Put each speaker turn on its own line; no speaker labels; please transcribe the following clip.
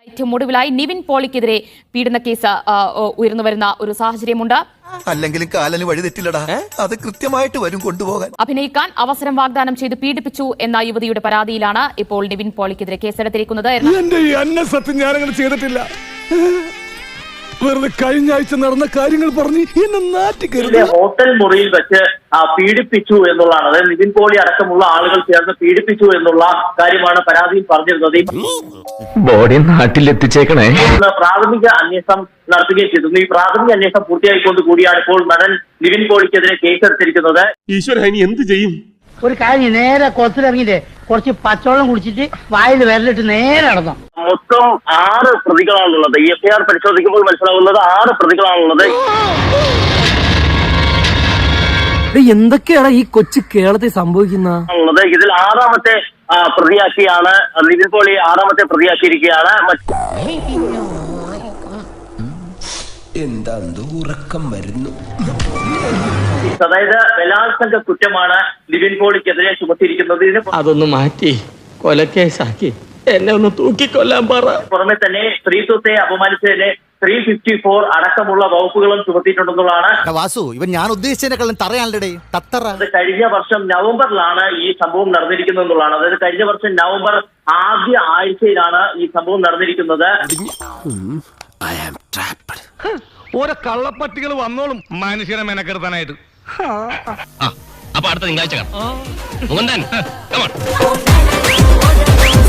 ഏറ്റവും ഒടുവിലായി നിവിൻ പോളിക്കെതിരെ പീഡന കേസ് ഉയർന്നു വരുന്ന ഒരു സാഹചര്യമുണ്ട്.
അല്ലെങ്കിലും കാലന് വഴി തെറ്റില്ലടാ, അത് കൃത്യമായിട്ട് വരും കൊണ്ടുപോകാൻ.
അഭിനയിക്കാൻ അവസരം വാഗ്ദാനം ചെയ്ത് പീഡിപ്പിച്ചു എന്ന യുവതിയുടെ പരാതിയിലാണ് ഇപ്പോൾ നിവിൻ പോളിക്കെതിരെ കേസെടുത്തിരിക്കുന്നത്.
വെറുതെ കഴിഞ്ഞ ആഴ്ച നടന്ന കാര്യങ്ങൾ പറഞ്ഞ് എന്നെ നാട്ടിക്കരുത്.
ഹോട്ടൽ മുറിയിൽ വെച്ച് പീഡിപ്പിച്ചു എന്നുള്ളതാണ്. അതായത് നിവിൻ പോളി അടക്കമുള്ള ആളുകൾ ചേർന്ന് പീഡിപ്പിച്ചു എന്നുള്ള കാര്യമാണ് പരാതിയിൽ പറഞ്ഞിരുന്നത്.
ബോഡി നാട്ടിലെത്തിച്ചേക്കണേ.
പ്രാഥമിക അന്വേഷണം നടത്തുകയും ചെയ്തിരുന്നു. ഈ പ്രാഥമിക അന്വേഷണം പൂർത്തിയായിക്കൊണ്ട് കൂടിയാണ് ഇപ്പോൾ നടൻ നിവിൻ പോളിക്കെതിരെ കേസെടുത്തിരിക്കുന്നത്.
ഈശ്വര, ഇനി എന്ത് ചെയ്യും?
ഒരു കാര്യം, നേരെ കൊത്തിലിറങ്ങിയിട്ട് കുറച്ച് പച്ചവെള്ളം കുടിച്ചിട്ട് വായിൽ വിരലിട്ട് നേരെ നടന്നു.
മൊത്തം 6 പ്രതികളാണുള്ളത്. ഈ എഫ്ഐആർ പരിശോധിക്കുമ്പോൾ മനസ്സിലാവുന്നത് 6 പ്രതികളാണുള്ളത്.
എന്തൊക്കെയാണ് ഈ കൊച്ചു കേരളത്തിൽ സംഭവിക്കുന്നത്?
ഇതിൽ 6ാമത്തെ പ്രതിയാക്കിയാണ് നിവിൻ പോളി 6ാമത്തെ പ്രതിയാക്കിയിരിക്കുകയാണ്.
എന്താ ഉറക്കം വരുന്നു.
അതായത് ബലാത്സംഗ കുറ്റമാണ് നിവിൻ പോളിക്കെതിരെ ചുമത്തിയിരിക്കുന്നത്.
അതൊന്ന് മാറ്റി കൊലക്കേസാക്കി എന്നെ ഒന്ന് തൂക്കിക്കൊല്ലാൻ പറ.
പുറമെ തന്നെ സ്ത്രീത്വത്തെ അപമാനിച്ചതിന് 354 അടക്കമുള്ള വകുപ്പുകളും ചുമത്തിയിട്ടുണ്ടെന്നുള്ളതാണ്.
വാസു, ഇവൻ ഞാൻ ഉദ്ദേശിച്ചതിനെക്കാളും തറയാണല്ലേ തത്തറ.
അത് കഴിഞ്ഞ വർഷം നവംബറിലാണ് ഈ സംഭവം നടന്നിരിക്കുന്നത് എന്നുള്ളതാണ്. അതായത് കഴിഞ്ഞ വർഷം നവംബർ ആദ്യ ആഴ്ചയിലാണ് ഈ സംഭവം നടന്നിരിക്കുന്നത്.
ഓരോ കള്ളപ്പട്ടികൾ വന്നോളും മനുഷ്യനെ മെനക്കെടുത്താനായിട്ട്.
അപ്പൊ അടുത്ത തിങ്കളാഴ്ച കാണാം.